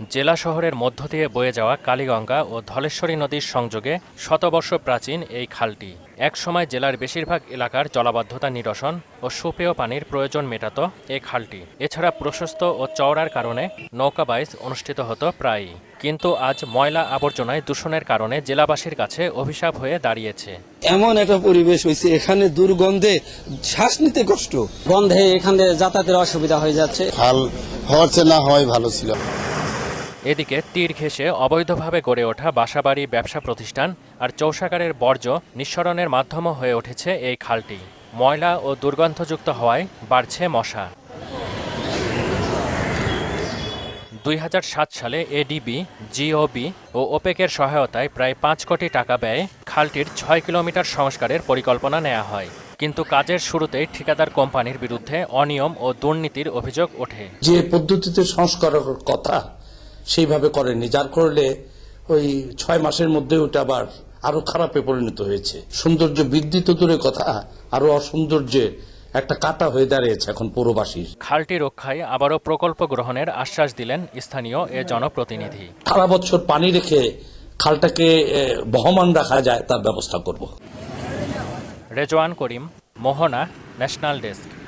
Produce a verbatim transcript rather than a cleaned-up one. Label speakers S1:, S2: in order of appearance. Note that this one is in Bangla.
S1: জেলা শহরের মধ্য দিয়ে বয়ে যাওয়া কালীগঙ্গা ও ধলেশ্বরী নদীর সংযোগে শতবর্ষ প্রাচীন এই খালটি একসময় জেলার বেশিরভাগ এলাকার জলাবদ্ধতা নিরসন ও সুপেয় পানির প্রয়োজন মেটাত এই খালটি। এছাড়া প্রশস্ত ও চওড়ার কারণে নৌকা বাইচ অনুষ্ঠিত হতো প্রায়ই। কিন্তু আজ ময়লা আবর্জনায় দূষণের কারণে জেলাবাসীর কাছে অভিশাপ হয়ে দাঁড়িয়েছে।
S2: এমন একটা পরিবেশ হয়েছে, এখানে দুর্গন্ধে শ্বাস নিতে কষ্ট,
S3: গন্ধে এখানে যাতায়াতের অসুবিধা হয়ে যাচ্ছে।
S4: খাল হওয়ার না হয় ভালো ছিল।
S1: এদিকে তীর ঘেঁষে অবৈধভাবে গড়ে ওঠা বাসাবাড়ি, ব্যবসা প্রতিষ্ঠান আর চৌষাগারের বর্জ্য নিঃসরণের মাধ্যমও হয়ে উঠেছে এই খালটি। ময়লা ও দুর্গন্ধযুক্ত হওয়ায় বাড়ছে মশা। দুই হাজার সাত সালে এডিবি, জিওবি ও ওপেকের সহায়তায় প্রায় পাঁচ কোটি টাকা ব্যয়ে খালটির ছয় কিলোমিটার সংস্কারের পরিকল্পনা নেওয়া হয়। কিন্তু কাজের শুরুতেই ঠিকাদার কোম্পানির বিরুদ্ধে অনিয়ম ও দুর্নীতির অভিযোগ ওঠে।
S5: যে পদ্ধতিতে সংস্কারের কথা সেইভাবে করেনি, যার করলে ওই ছয় মাসের মধ্যে ওটা আবার আরো খারাপে পরিণত হয়েছে। সৌন্দর্য বৃদ্ধি তো দূরের কথা, আরো অসৌন্দর্যে একটা কাটা হয়ে দাঁড়িয়েছে এখন পৌরবাসীর।
S1: খালটি রক্ষায় আবারও প্রকল্প গ্রহণের আশ্বাস দিলেন স্থানীয় এ জনপ্রতিনিধি।
S5: সারা বছর পানি রেখে খালটাকে বহমান রাখা যায় তার ব্যবস্থা করব।
S1: Rezwan Karim, Mohona, national desk.